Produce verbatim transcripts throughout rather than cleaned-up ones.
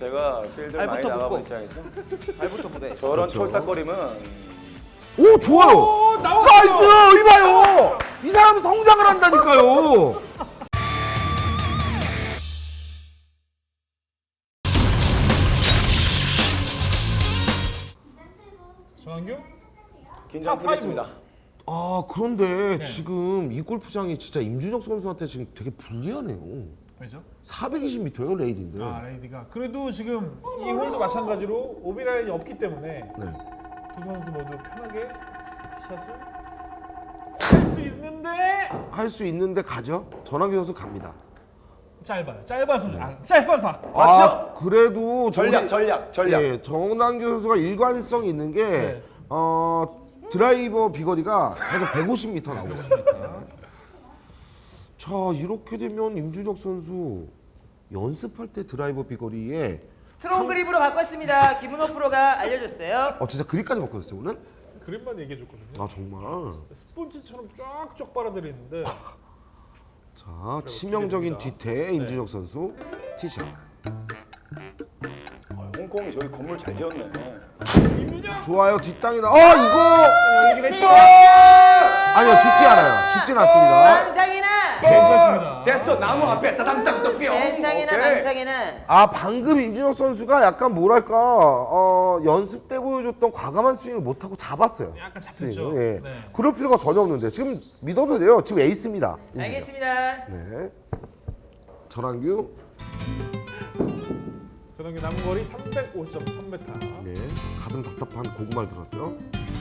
제가 필드를 많이 나가본 입장에서 발부터 무대. 저런 그렇죠. 촐싹거림은 오 좋아요. 오, 나왔어. 나이스 이봐요. 이 사람은 성장을 한다니까요. 전환규? 긴장 탑 풀겠습니다. 아 그런데 네. 지금 이 골프장이 진짜 임준혁 선수한테 지금 되게 불리하네요. 왜죠? 사백이십 미터예요 레이디인데. 아 레이디가 그래도 지금 이 홀도 마찬가지로 오비 라인이 없기 때문에 네. 두 선수 모두 편하게 샷을 할 수 있는데 할 수 있는데 가죠. 전환기 선수 갑니다. 짧아요. 짧아서 아, 짧아서 아 그래도 전략, 저기- 전략, 전략. 예, 정남규 선수가 일관성 있는 게 네. 어, 드라이버 비거리가 계속 백오십 미터 나오고 있습니다. 자 이렇게 되면 임준혁 선수 연습할 때 드라이버 비거리에 스트롱 그립으로 바꿨습니다. 김은호 프로가 알려줬어요. 어 진짜 그립까지 바꿔줬어요 오늘? 그림만 얘기해 줬거든요. 아 정말. 스폰지처럼 쫙쫙 빨아들이는데 자 치명적인 기대됩니다. 뒤태 임준혁 선수 티샷. 아, 홍콩이 저기 건물 잘 지었네. 임준혁 좋아요 뒷땅이다. 아 이거 이게 왜 아니요 죽지 않아요. 죽진 않습니다. 만상이나 괜찮습니다. 됐어, 나무 앞에 따담따담 뿅. 세상이나 오케이. 만상이나 아 방금 임준혁 선수가 약간 뭐랄까 어, 연습 때 보여줬던 과감한 스윙을 못하고 잡았어요. 약간 잡혔죠. 스윙을. 예. 네. 그럴 필요가 전혀 없는데 지금 믿어도 돼요. 지금 에이스입니다. 임준혁. 알겠습니다. 네. 전환규. 전환규 남은 거리 삼백오 점 삼 미터. 네. 가슴 답답한 고구마를 들었죠.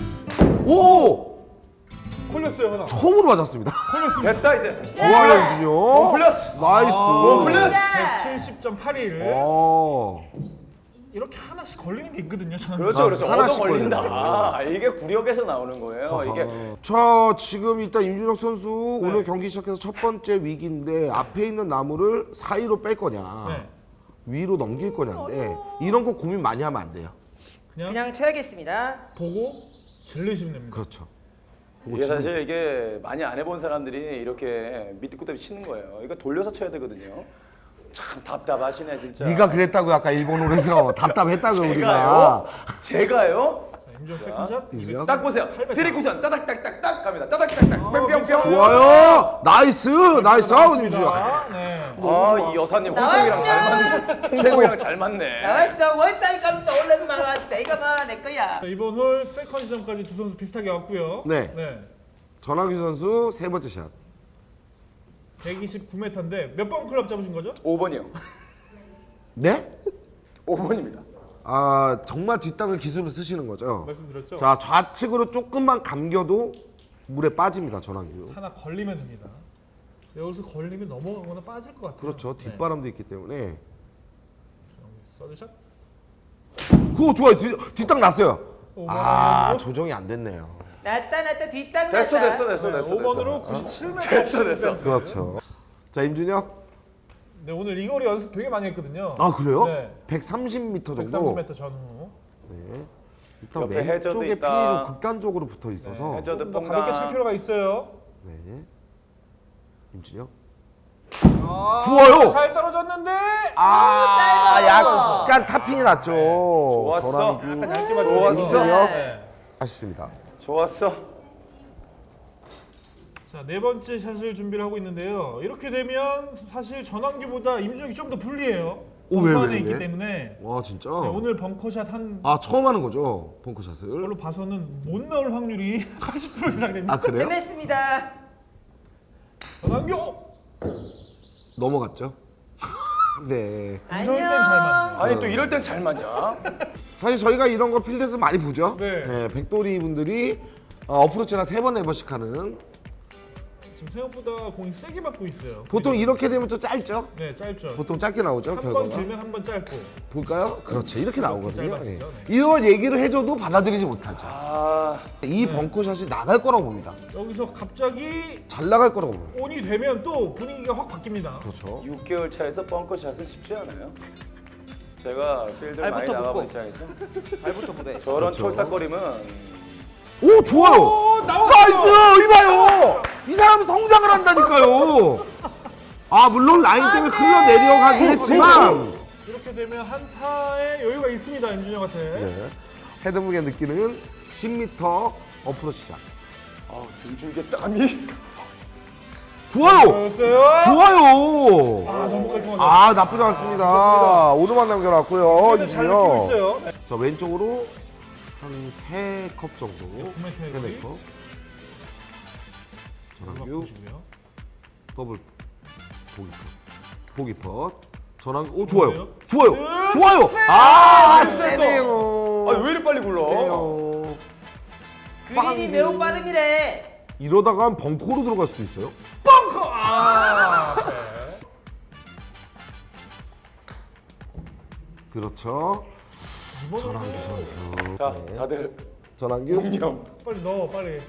오! 걸렸어요 하나. 처음으로 맞았습니다. 걸렸습니다. 됐다 이제. 좋아요 임준혁. 플러스. 나이스. 아, 플러스. 백칠십 점 팔일. 어. 이렇게 하나씩 걸리는 게 있거든요. 저는. 그렇죠, 아, 그렇죠. 얻어 하나씩 걸린다. 걸리네. 아, 이게 구력에서 나오는 거예요. 이게 자 지금 일단 임준혁 선수 오늘 경기 시작해서 첫 번째 위기인데 앞에 있는 나무를 사이로 뺄 거냐 네. 위로 넘길 거냐인데 이런 거 고민 많이 하면 안 돼요. 그냥, 그냥 쳐야겠습니다. 보고 질리시면 됩니다. 그렇죠. 이게 사실 이게 많이 안 해본 사람들이 이렇게 밑에 끝에 치는 거예요. 이거 돌려서 쳐야 되거든요. 참 답답하시네 진짜. 네가 그랬다고 아까 일본어에서 답답했다고 우리가. 제가요? 제가요? 자, 임준혁 세컨샷. 임준혁. 딱 보세요. 쓰리 쿠션 따닥딱딱딱 갑니다. 따닥딱딱 뺑뺑뺑. 좋아요. 나이스 나이스 아웃 임준혁. 네. 아, 이 여사님 홍콩이랑 잘 맞네. 홍콩이랑 잘 맞네. 나왔어. 원사이 깜짝 올랜만에 내가 봐내 거야. 자, 이번 홀 세컨 지점까지 두 선수 비슷하게 왔고요. 네. 네. 전환규 선수 세 번째 샷. 백이십구 미터인데 몇 번 클럽 잡으신 거죠? 오 번이요. 네? 오 번입니다. 아 정말 뒷땅을 기술을 쓰시는 거죠. 말씀드렸죠? 자 좌측으로 조금만 감겨도 물에 빠집니다 전환규. 하나 걸리면 됩니다. 여기서 걸리면 넘어가거나 빠질 것 같아요. 그렇죠. 네. 뒷바람도 있기 때문에. 서드샷. 그거 좋아요. 뒤, 뒷땅 났어요. 오 아 번으로 조정이 안 됐네요. 났다 났다 뒷땅 됐어, 났다. 됐어, 됐어, 됐어. 오 번으로 됐어. 구십칠 미터. 됐어, 됐어. 그렇죠. 자 임준혁. 네, 오늘 이 거리 연습 되게 많이 했거든요. 아 그래요? 네. 백삼십 미터 정도. 백삼십 미터 전후. 네. 일단 옆에 해저도 왼쪽에 핀이 있다. 좀 극단적으로 붙어 있어서. 네, 해저- 조금 더 뽕당. 가볍게 칠 필요가 있어요. 네. 임준혁. 아, 좋아요. 잘 떨어졌는데. 아 짧아. 약간 타핑이 났죠. 좋았어. 전환규. 약간 얇게 좋았어. 맞았어요. 임준혁. 네. 아쉽습니다. 좋았어. 자, 네 번째 샷을 준비를 하고 있는데요. 이렇게 되면 사실 전환규보다 임준혁이 좀 더 불리해요. 오, 왜, 벙커 왜, 안에 있기 왜? 때문에 와 진짜. 네, 오늘 벙커샷 한 아 처음 하는 거죠 벙커샷을. 걸로 봐서는 못 나올 확률이 팔십 퍼센트 이상 됩니다. 아 그래요? 헤맸습니다. 전환규! 넘어갔죠. 네. 이럴 땐 잘 맞네요. 아니 또 이럴 땐 잘 맞아. 사실 저희가 이런 거 필드에서 많이 보죠. 네. 백돌이 분들이 어, 어프로치나 세 번 네 번씩 하는. 지금 생각보다 공이 세게 맞고 있어요. 보통 이렇게 되면 또 짧죠. 네, 짧죠. 보통 짧게 나오죠 한 번 결과가. 길면 한 번 짧고. 볼까요? 그렇죠. 이렇게 나오거든요. 짧아지죠. 예. 네. 이런 얘기를 해줘도 받아들이지 못하죠. 아, 이 벙커샷이 나갈 거라고 봅니다. 여기서 갑자기 잘 나갈 거라고 봅니다. 온이 되면 또 분위기가 확 바뀝니다. 그렇죠. 육 개월 차에서 벙커샷은 쉽지 않아요. 제가 필드를 많이 발부터 나가본 붙고. 입장에서 발부터 무대. 저런 그렇죠. 촐싹거림은 오 좋아요. 오, 나왔어! 나이스 이봐요. 이 사람은 성장을 한다니까요. 아 물론 라인 때문에 흘러 내려가긴 했지만 이렇게 되면 한타에 여유가 있습니다 임준혁한테. 네. 헤드 무게 느끼는 십 미터 어프로치 샷. 아, 등줄기에 땀이. 좋아요. 좋았어요. 좋아요. 아 너무 깔끔하게. 아 나쁘지 않습니다. 오도만 남겨놨고요. 근데 잘 느끼고 이준혁. 있어요. 네. 자 왼쪽으로 한 세 컵 정도. 구매 세 테이블이. 네 컵. 음악 전환규 보시고요. 더블 보기 펫. 보기 펫. 전환규 오 좋아요. 좋아요. 좋아요. 좋아요. 아 세네요. 세네요. 아, 왜 이리 빨리 굴러? 세네요. 그린이 매우 빠름이래. 이러다가 한 벙커로 들어갈 수도 있어요. 벙커. 아. 네. 그렇죠. 이번에도 전환규 선수. 자, 네. 다들 전환규 공념. 빨리 넣어 빨리.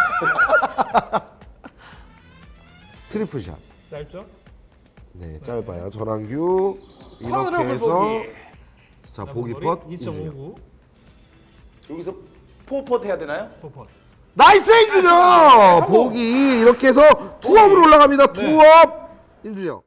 트리플 샷. 짧죠? 네, 짧아요. 전환규 이렇게 커널 해서 보기. 자 보기 펫 이준혁. 이점오구 여기서 포퍼트 해야 되나요? 포퍼. 나이스 이준혁! 보기 이렇게 해서 투업으로 올라갑니다. 투업 임준혁.